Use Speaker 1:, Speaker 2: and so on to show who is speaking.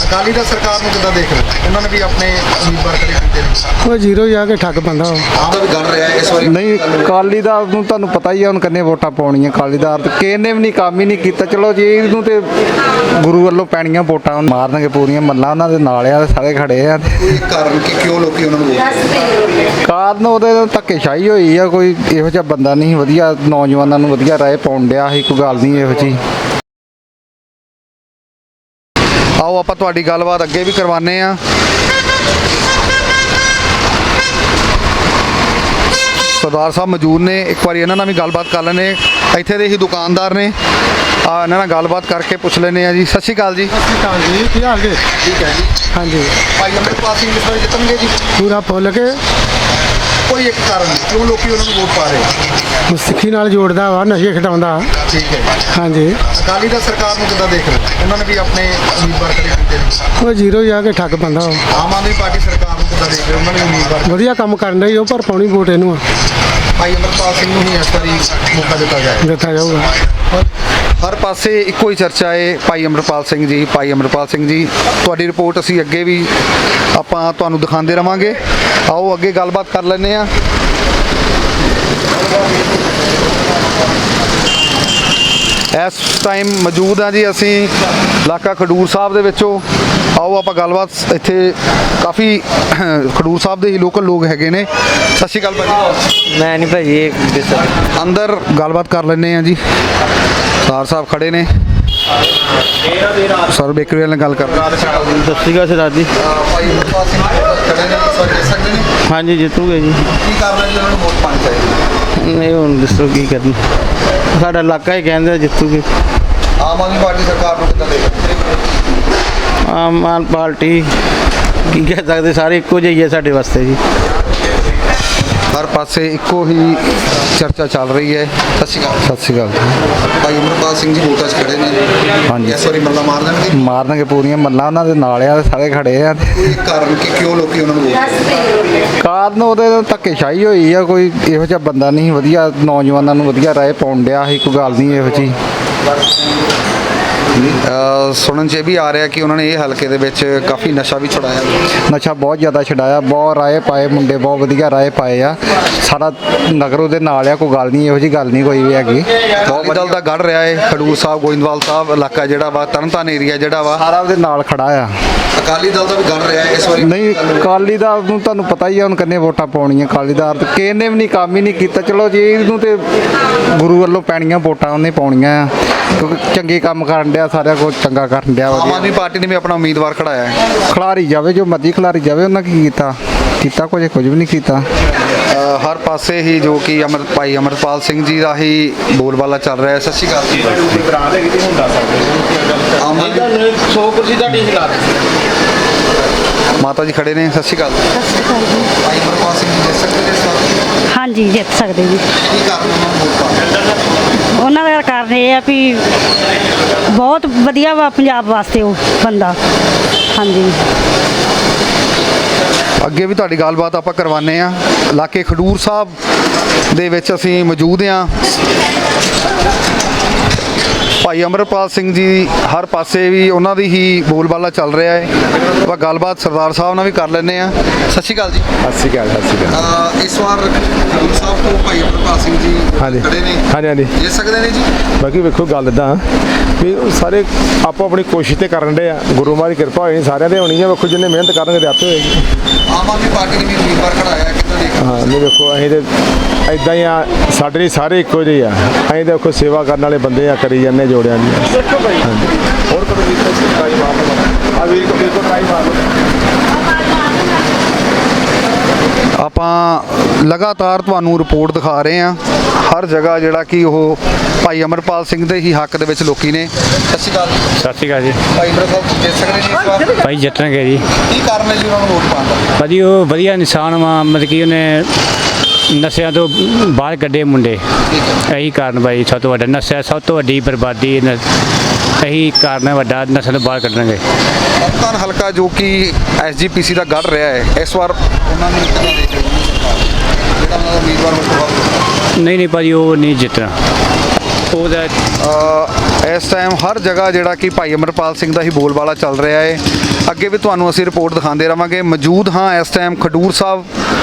Speaker 1: ਅਕਾਲੀ ਦਲ ਸਰਕਾਰ ਨੂੰ ਕਿੱਦਾਂ ਦੇਖ ਰਹੇ ਉਹਨਾਂ ਨੇ ਵੀ ਆਪਣੇ ਉਮੀਦਵਾਰ ਖੜੇ ਕੀਤੇ ਨੇ।
Speaker 2: ਉਹ ਜ਼ੀਰੋ ਜਾ ਕੇ ਠੱਗ ਪੈਂਦਾ
Speaker 1: ਆਮ ਦਾ ਵੀ ਗੱਲ ਰਿਹਾ ਇਸ ਵਾਰੀ
Speaker 3: ਨਹੀਂ ਅਕਾਲੀ ਦਲ ਨੂੰ ਤੁਹਾਨੂੰ ਪਤਾ ਹੀ ਆ ਹੁਣ ਕਿੰਨੇ ਵੋਟਾਂ ਪਾਉਣੀਆਂ। ਅਕਾਲੀ ਦਲ ਤੇ ਕਿਸੇ ਨੇ ਵੀ ਨਹੀਂ ਕੰਮ ਹੀ ਨਹੀਂ ਕੀਤਾ। ਚਲੋ ਜੀ ਇਹਨੂੰ ਤੇ ਗੁਰੂ ਵੱਲੋਂ ਪੈਣੀਆਂ ਵੋਟਾਂ ਮਾਰਨਗੇ ਪੂਰੀਆਂ ਮੱਲਾਂ ਉਹਨਾਂ ਦੇ ਨਾਲ ਆ ਸਾਰੇ ਖੜੇ ਆ।
Speaker 1: ਕੋਈ ਕਾਰਨ ਕਿ ਕਿਉਂ ਲੋਕੀ ਉਹਨਾਂ ਨੂੰ ਵੋਟ
Speaker 3: ਕਾਰਨ ਉਹਦੇ ਧੱਕੇਸ਼ਾਹੀ ਹੋਈ ਆ। ਕੋਈ ਇਹੋ ਜਿਹਾ ਬੰਦਾ ਨਹੀਂ ਵਧੀਆ ਨੌਜਵਾਨਾਂ ਨੂੰ ਵਧੀਆ ਰਾਏ ਪਾਉਣ ਡਿਆ ਸੀ। ਕੋਈ ਗੱਲ ਨਹੀਂ ਇਹੋ ਜਿਹੀ। ਆਓ ਆਪਾਂ ਤੁਹਾਡੀ ਗੱਲਬਾਤ ਅੱਗੇ ਵੀ ਕਰਵਾਉਂਦੇ ਆ। ਸਰਦਾਰ ਸਾਹਿਬ ਮੌਜੂਦ ਨੇ, ਇੱਕ ਵਾਰੀ ਇਹਨਾਂ ਨਾਲ ਵੀ ਗੱਲਬਾਤ ਕਰ ਲੈਂਦੇ। ਇੱਥੇ ਦੇ ਹੀ ਦੁਕਾਨਦਾਰ ਨੇ, ਇਹਨਾਂ ਨਾਲ ਗੱਲਬਾਤ ਕਰਕੇ ਪੁੱਛ ਲੈਂਦੇ ਆ ਜੀ। ਸਤਿ ਸ਼੍ਰੀ ਅਕਾਲ ਜੀ।
Speaker 2: ਸਤਿ ਸ਼੍ਰੀ ਅਕਾਲ ਜੀ, ਕੀ ਹਾਲ ਜੀ?
Speaker 1: ਠੀਕ ਹੈ ਜੀ।
Speaker 2: ਹਾਂਜੀ,
Speaker 1: ਭਾਈ ਅੰਮ੍ਰਿਤਪਾਲ ਸਿੰਘ ਇਸ ਵਾਰ ਜਿੱਤਣਗੇ ਜੀ?
Speaker 2: ਪੂਰਾ ਫੁੱਲ ਕੇ
Speaker 1: ਕੋਈ ਇੱਕ ਕਾਰਨ ਕਿਉਂ ਲੋਕੀ ਉਹਨਾਂ ਨੂੰ ਵੋਟ ਪਾ ਰਹੇ?
Speaker 2: ਸਿੱਖੀ ਨਾਲ ਜੋੜਦਾ ਵਾ, ਨਸ਼ੇ ਖਿਡਾਉਂਦਾ।
Speaker 1: ਠੀਕ ਹੈ ਜੀ।
Speaker 2: ਹਾਂਜੀ,
Speaker 1: ਅਕਾਲੀ ਦਲ ਸਰਕਾਰ ਨੂੰ ਕਿੱਦਾਂ ਦੇਖ ਰਹੇ ਉਹਨਾਂ ਨੇ ਵੀ ਆਪਣੇ ਉਮੀਦਵਾਰ ਖੜੇ ਕੀਤੇ ਨੇ।
Speaker 2: ਉਹ ਜ਼ੀਰੋ ਜਾ ਕੇ ਠੱਗ ਪੈਂਦਾ।
Speaker 1: ਆਮ ਆਦਮੀ ਪਾਰਟੀ ਸਰਕਾਰ ਨੂੰ ਕਿੱਦਾਂ ਦੇਖ ਰਹੇ ਉਹਨਾਂ ਨੇ ਉਮੀਦਵਾਰ?
Speaker 2: ਵਧੀਆ ਕੰਮ ਕਰਨ ਡਈ ਉਹ, ਪਰ ਪਾਉਣੀ ਵੋਟ ਇਹਨੂੰ
Speaker 1: ਭਾਈ ਅੰਮ੍ਰਿਤਪਾਲ ਸਿੰਘ ਨੂੰ ਹੀ ਇਸ ਵਾਰੀ ਮੌਕਾ ਦਿੱਤਾ ਜਾਏ।
Speaker 2: ਦਿੱਤਾ ਜਾਊਗਾ।
Speaker 3: ਹਰ ਪਾਸੇ ਇੱਕੋ ਹੀ ਚਰਚਾ ਹੈ, ਭਾਈ ਅੰਮ੍ਰਿਤਪਾਲ ਸਿੰਘ ਜੀ, ਭਾਈ ਅੰਮ੍ਰਿਤਪਾਲ ਸਿੰਘ ਜੀ। ਤੁਹਾਡੀ ਰਿਪੋਰਟ ਅਸੀਂ ਅੱਗੇ ਵੀ ਆਪਾਂ ਤੁਹਾਨੂੰ ਦਿਖਾਉਂਦੇ ਰਵਾਂਗੇ। ਆਓ ਅੱਗੇ ਗੱਲਬਾਤ ਕਰ ਲੈਂਦੇ ਆ। ਇਸ ਟਾਈਮ ਮੌਜੂਦ ਆ ਜੀ ਅਸੀਂ ਇਲਾਕਾ ਖਡੂਰ ਸਾਹਿਬ ਦੇ ਵਿੱਚੋਂ। ਆਓ ਆਪਾਂ ਗੱਲਬਾਤ ਇੱਥੇ ਕਾਫੀ ਖਡੂਰ ਸਾਹਿਬ ਦੇ ਹੀ ਲੋਕਲ ਲੋਕ ਹੈਗੇ ਨੇ। ਸਤਿ ਸ਼੍ਰੀ ਅਕਾਲ ਭਾਜੀ।
Speaker 4: ਮੈਂ ਨਹੀਂ ਭਾਜੀ
Speaker 3: ਅੰਦਰ ਗੱਲਬਾਤ ਕਰ ਲੈਂਦੇ ਆ ਜੀ। ਸਰਦਾਰ ਸਾਹਿਬ ਖੜੇ ਨੇ, ਸਰ ਬੇਕਰੀ ਵਾਲੇ ਨਾਲ ਗੱਲ ਕਰ ਰਹੇ।
Speaker 4: ਸਤਿ ਸ਼੍ਰੀ ਅਕਾਲ ਸਰਦਾਰ ਜੀ।
Speaker 1: ਭਾਈ ਅੰਮ੍ਰਿਤਪਾਲ ਸਿੰਘ ਖੜੇ ਨੇ ਇਸ ਵਾਰ ਜਿੱਤ ਸਕਦੇ ਨੇ?
Speaker 4: ਹਾਂਜੀ ਜਿੱਤੂਗੇ ਜੀ।
Speaker 1: ਕੀ ਕਾਰਨ ਹੈ ਜੀ ਉਹਨਾਂ ਨੂੰ ਵੋਟ ਪਾਣੀ ਚਾਹੀਦੀ?
Speaker 4: ਨਹੀਂ ਹੁਣ ਦੱਸੋ ਕੀ ਕਰਨਾ, ਸਾਡਾ ਇਲਾਕਾ ਹੀ ਕਹਿੰਦਾ ਜਿੱਤੂਗੇ।
Speaker 1: ਆਮ ਆਦਮੀ ਪਾਰਟੀ ਸਰਕਾਰ ਨੂੰ ਕਿੱਦਾਂ ਦੇਖ?
Speaker 4: ਆਮ ਆਦਮੀ ਪਾਰਟੀ ਕੀ ਕਹਿ ਸਕਦੇ, ਸਾਰੇ ਇੱਕੋ ਜਿਹੇ ਹੀ ਹੈ ਸਾਡੇ ਵਾਸਤੇ ਜੀ।
Speaker 3: ਹਰ ਪਾਸੇ ਇੱਕੋ ਹੀ ਚਰਚਾ ਚੱਲ ਰਹੀ ਹੈ।
Speaker 1: ਸਤਿ ਸ਼੍ਰੀ ਅਕਾਲ।
Speaker 3: ਸਤਿ ਸ਼੍ਰੀ ਅਕਾਲ।
Speaker 1: ਭਾਈ ਅੰਮ੍ਰਿਤਪਾਲ ਸਿੰਘ ਜੀ ਵੋਟਾਂ 'ਚ ਖੜੇ ਨੇ।
Speaker 3: ਹਾਂਜੀ।
Speaker 1: ਇਸ ਵਾਰੀ ਮੱਲਾ ਮਾਰ ਦੇਣਗੇ?
Speaker 3: ਮਾਰਨਗੇ ਪੂਰੀਆਂ ਮੱਲਾਂ ਉਹਨਾਂ ਦੇ ਨਾਲ ਆ ਸਾਰੇ ਖੜੇ ਆ।
Speaker 1: ਕੋਈ ਕਾਰਨ ਕਿ ਕਿਉਂ ਲੋਕੀ ਉਹਨਾਂ ਨੂੰ ਵੋਟ?
Speaker 3: ਕਾਰਨ ਉਹਦੇ ਧੱਕੇਸ਼ਾਹੀ ਹੋਈ ਆ। ਕੋਈ ਇਹੋ ਜਿਹਾ ਬੰਦਾ ਨਹੀਂ ਵਧੀਆ ਨੌਜਵਾਨਾਂ ਨੂੰ ਵਧੀਆ ਰਾਏ ਪਾਉਣ ਡਿਆ ਸੀ। ਕੋਈ ਗੱਲ ਨਹੀਂ ਇਹੋ ਜਿਹੀ। ਸੁਣਨ 'ਚ ਇਹ ਵੀ ਆ ਰਿਹਾ ਕਿ ਉਹਨਾਂ ਨੇ ਇਹ ਹਲਕੇ ਦੇ ਵਿੱਚ ਕਾਫੀ ਨਸ਼ਾ ਵੀ ਛੁਡਾਇਆ। ਨਸ਼ਾ ਬਹੁਤ ਜ਼ਿਆਦਾ ਛਡਾਇਆ, ਬਹੁਤ ਰਾਏ ਪਾਏ ਮੁੰਡੇ, ਬਹੁਤ ਵਧੀਆ ਰਾਏ ਪਾਏ ਆ। ਸਾਰਾ ਨਗਰ ਉਹਦੇ ਨਾਲ ਆ। ਕੋਈ ਗੱਲ ਨਹੀਂ ਇਹੋ ਜਿਹੀ ਗੱਲ ਨਹੀਂ ਕੋਈ ਵੀ ਹੈਗੀ। ਬਹੁਤ ਦਲ ਦਾ ਗੜ ਰਿਹਾ ਹੈ। ਖਡੂਰ ਸਾਹਿਬ, ਗੋਇੰਦਵਾਲ ਸਾਹਿਬ ਇਲਾਕਾ ਜਿਹੜਾ ਵਾ, ਤਰਨਤਾਰਨ ਏਰੀਆ ਜਿਹੜਾ ਵਾ, ਸਾਰਾ ਉਹਦੇ ਨਾਲ ਖੜਾ ਆ।
Speaker 1: ਅਕਾਲੀ ਦਲ ਦਾ ਵੀ ਗੜ ਰਿਹਾ ਇਸ ਵਾਰੀ?
Speaker 3: ਨਹੀਂ ਅਕਾਲੀ ਦਲ ਨੂੰ ਤੁਹਾਨੂੰ ਪਤਾ ਹੀ ਆ ਹੁਣ ਕਿੰਨੇ ਵੋਟਾਂ ਪਾਉਣੀਆਂ। ਅਕਾਲੀ ਦਲ ਤੇ ਕਿਸੇ ਨੇ ਵੀ ਨਹੀਂ ਕੰਮ ਹੀ ਨਹੀਂ ਕੀਤਾ। ਚਲੋ ਜੀ ਇਹਨੂੰ ਤੇ ਗੁਰੂ ਵੱਲੋਂ ਪੈਣੀਆਂ ਵੋਟਾਂ ਉਹਨੇ ਪਾਉਣੀਆਂ ਆ, ਕਿਉਂਕਿ ਚੰਗੇ ਕੰਮ ਕਰਨ ਡਿਆ, ਸਾਰਿਆਂ ਕੋਲ ਚੰਗਾ ਕਰਨ ਡਿਆ।
Speaker 1: ਆਮ ਆਦਮੀ ਪਾਰਟੀ ਨੇ ਵੀ ਆਪਣਾ ਉਮੀਦਵਾਰ ਖੜਾਇਆ ਹੈ।
Speaker 3: ਖਿਲਾਰੀ ਜਾਵੇ ਜੋ ਮਰਜ਼ੀ ਖਿਲਾਰੀ ਜਾਵੇ, ਉਹਨਾਂ ਕੀ ਕੀਤਾ ਕੁਝ ਵੀ ਨਹੀਂ ਕੀਤਾ। ਹਰ ਪਾਸੇ ਹੀ ਜੋ ਕਿ ਭਾਈ ਅੰਮ੍ਰਿਤਪਾਲ ਸਿੰਘ ਜੀ ਦਾ ਹੀ ਬੋਲਬਾਲਾ ਚੱਲ ਰਿਹਾ ਹੈ। ਸਤਿ ਸ਼੍ਰੀ ਅਕਾਲ ਜੀ।
Speaker 1: ਆਮ ਆਦਮੀ
Speaker 4: 100% ਦਾ ਟੀ ਲਾ
Speaker 3: ਮਾਤਾ ਜੀ ਖੜੇ ਨੇ। ਸਤਿ ਸ਼੍ਰੀ ਅਕਾਲ।
Speaker 5: ਸਤਿ ਸ਼੍ਰੀ ਅਕਾਲ ਜੀ।
Speaker 1: ਭਾਈ ਅੰਮ੍ਰਿਤਪਾਲ ਸਿੰਘ ਜੀ ਜਿੱਤ ਸਕਦੇ ਨੇ ਇਸ ਵਾਰ?
Speaker 5: ਹਾਂਜੀ ਜਿੱਤ ਸਕਦੇ ਜੀ।
Speaker 1: ਕੀ ਕਾਰਨ ਉਹਨਾਂ ਨੂੰ ਵੋਟ ਪਾਉਣ?
Speaker 5: ਉਹਨਾਂ ਦਾ ਕਾਰਨ ਇਹ ਆ ਵੀ ਬਹੁਤ ਵਧੀਆ ਵਾ ਪੰਜਾਬ ਵਾਸਤੇ ਉਹ ਬੰਦਾ। ਹਾਂਜੀ
Speaker 3: ਅੱਗੇ ਵੀ ਤੁਹਾਡੀ ਗੱਲਬਾਤ ਆਪਾਂ ਕਰਵਾਉਂਦੇ ਆ। ਇਲਾਕੇ ਖਡੂਰ ਸਾਹਿਬ ਦੇ ਵਿੱਚ ਅਸੀਂ ਮੌਜੂਦ ਆ। ਭਾਈ ਅੰਮ੍ਰਿਤਪਾਲ ਸਿੰਘ ਜੀ ਹਰ ਪਾਸੇ ਵੀ ਉਹਨਾਂ ਦੀ ਹੀ ਬੋਲਬਾਲਾ ਚੱਲ ਰਿਹਾ ਹੈ। ਆਪਾਂ ਗੱਲਬਾਤ ਸਰਦਾਰ ਸਾਹਿਬ ਨਾਲ ਵੀ ਕਰ ਲੈਂਦੇ ਆ। ਸਤਿ ਸ਼੍ਰੀ ਅਕਾਲ ਜੀ।
Speaker 6: ਸਤਿ ਸ਼੍ਰੀ ਅਕਾਲ। ਸਤਿ ਸ਼੍ਰੀ ਅਕਾਲ।
Speaker 1: ਇਸ ਵਾਰ ਖਡੂਰ ਸਾਹਿਬ ਤੋਂ ਭਾਈ ਅੰਮ੍ਰਿਤਪਾਲ ਸਿੰਘ ਜੀ
Speaker 6: ਹਾਂਜੀ।
Speaker 1: ਖੜੇ ਨੇ।
Speaker 6: ਹਾਂਜੀ ਹਾਂਜੀ।
Speaker 1: ਜਿੱਤ ਸਕਦੇ ਨੇ ਜੀ?
Speaker 6: ਬਾਕੀ ਵੇਖੋ ਗੱਲ ਇੱਦਾਂ ਵੀ ਉਹ ਸਾਰੇ ਆਪੋ ਆਪਣੀ ਕੋਸ਼ਿਸ਼ ਤੇ ਕਰਨ ਦੇ ਆ। ਗੁਰੂ ਮਹਾਰਾਜ ਦੀ ਕਿਰਪਾ ਹੋਈ ਸਾਰਿਆਂ ਦੇ ਹੋਣੀ ਆ। ਵੇਖੋ ਜਿੰਨੇ ਮਿਹਨਤ ਕਰਨਗੇ ਤੇ ਆਪੇ ਹੋਏਗੀ।
Speaker 1: ਆਮ ਆਦਮੀ ਪਾਰਟੀ ਨੇ ਵੀ ਉਮੀਦਵਾਰ ਖੜਾਇਆ ਕਿੱਦਾਂ ਦੇਖ?
Speaker 6: ਹਾਂ ਨਹੀਂ ਵੇਖੋ ਅਸੀਂ ਤੇ ਇੱਦਾਂ ਹੀ ਆ, ਸਾਡੇ ਲਈ ਸਾਰੇ ਇੱਕੋ ਜਿਹੇ ਆ। ਅਸੀਂ ਤਾਂ ਵੇਖੋ ਸੇਵਾ ਕਰਨ ਵਾਲੇ ਬੰਦੇ ਆ, ਕਰੀ ਜਾਂਦੇ ਜੋੜਿਆਂ ਦੀ। ਹੋਰ ਕਦੋਂ ਵੀ ਟਰਾਈ ਮਾਰ ਲਓ। ਆ ਵੀਰ ਕੋ ਟਰਾਈ ਮਾਰ ਲਓ।
Speaker 3: ਆਪਾਂ ਲਗਾਤਾਰ ਤੁਹਾਨੂੰ ਰਿਪੋਰਟ ਦਿਖਾ ਰਹੇ ਹਾਂ। ਹਰ ਜਗ੍ਹਾ ਜਿਹੜਾ ਕਿ ਉਹ ਭਾਈ ਅੰਮ੍ਰਿਤਪਾਲ ਸਿੰਘ ਦੇ ਹੀ ਹੱਕ ਦੇ ਵਿੱਚ ਲੋਕੀ ਨੇ।
Speaker 1: ਸਤਿ ਸ਼੍ਰੀ ਅਕਾਲ।
Speaker 4: ਸਤਿ ਸ਼੍ਰੀ ਅਕਾਲ ਜੀ।
Speaker 1: ਭਾਈ ਅੰਮ੍ਰਿਤਪਾਲ ਜਿੱਤ ਸਕਦੇ ਨੇ ਇਸ ਵਾਰ?
Speaker 4: ਭਾਈ ਜਿੱਤਣਗੇ ਜੀ।
Speaker 1: ਕੀ ਕਾਰਨ ਹੈ ਜੀ ਉਹਨਾਂ ਨੂੰ ਵੋਟ ਪਾਉਣ ਦਾ?
Speaker 4: ਭਾਜੀ ਉਹ ਵਧੀਆ ਇਨਸਾਨ ਵਾ, ਮਤਲਬ ਕਿ ਉਹਨੇ ਨਸ਼ਿਆਂ ਤੋਂ ਬਾਹਰ ਕੱਢੇ ਮੁੰਡੇ। ਇਹੀ ਕਾਰਨ ਭਾਈ ਸਭ ਤੋਂ ਵੱਡਾ ਨਸ਼ਾ, ਸਭ ਤੋਂ ਵੱਡੀ ਬਰਬਾਦੀ ਇਹੀ ਕਾਰਨ ਹੈ ਵੱਡਾ, ਨਸ਼ਾ ਤੋਂ ਬਾਹਰ ਕੱਢਣਗੇ।
Speaker 3: ਤਰਨਤਾਰਨ ਹਲਕਾ ਜੋ ਕਿ SGPC ਦਾ ਗੜ ਰਿਹਾ ਹੈ, ਇਸ ਵਾਰ
Speaker 1: ਉਹਨਾਂ ਨੂੰ ਕਿੱਦਾਂ ਦੇਖ ਰਹੇ ਹੋ? ਜਿਹੜਾ ਉਹਨਾਂ ਦਾ ਉਮੀਦਵਾਰ ਵੋਟ
Speaker 4: ਨਹੀਂ ਭਾਜੀ ਉਹ ਨਹੀਂ ਜਿੱਤਣਾ। ਉਹਦਾ
Speaker 3: ਇਸ ਟਾਈਮ ਹਰ ਜਗ੍ਹਾ ਜਿਹੜਾ ਕਿ ਭਾਈ ਅੰਮ੍ਰਿਤਪਾਲ ਸਿੰਘ ਦਾ ਹੀ ਬੋਲਬਾਲਾ ਚੱਲ ਰਿਹਾ ਹੈ। ਅੱਗੇ ਵੀ ਤੁਹਾਨੂੰ ਅਸੀਂ ਰਿਪੋਰਟ ਦਿਖਾਉਂਦੇ ਰਵਾਂਗੇ। ਮੌਜੂਦ ਹਾਂ ਇਸ ਟਾਈਮ ਖਡੂਰ ਸਾਹਿਬ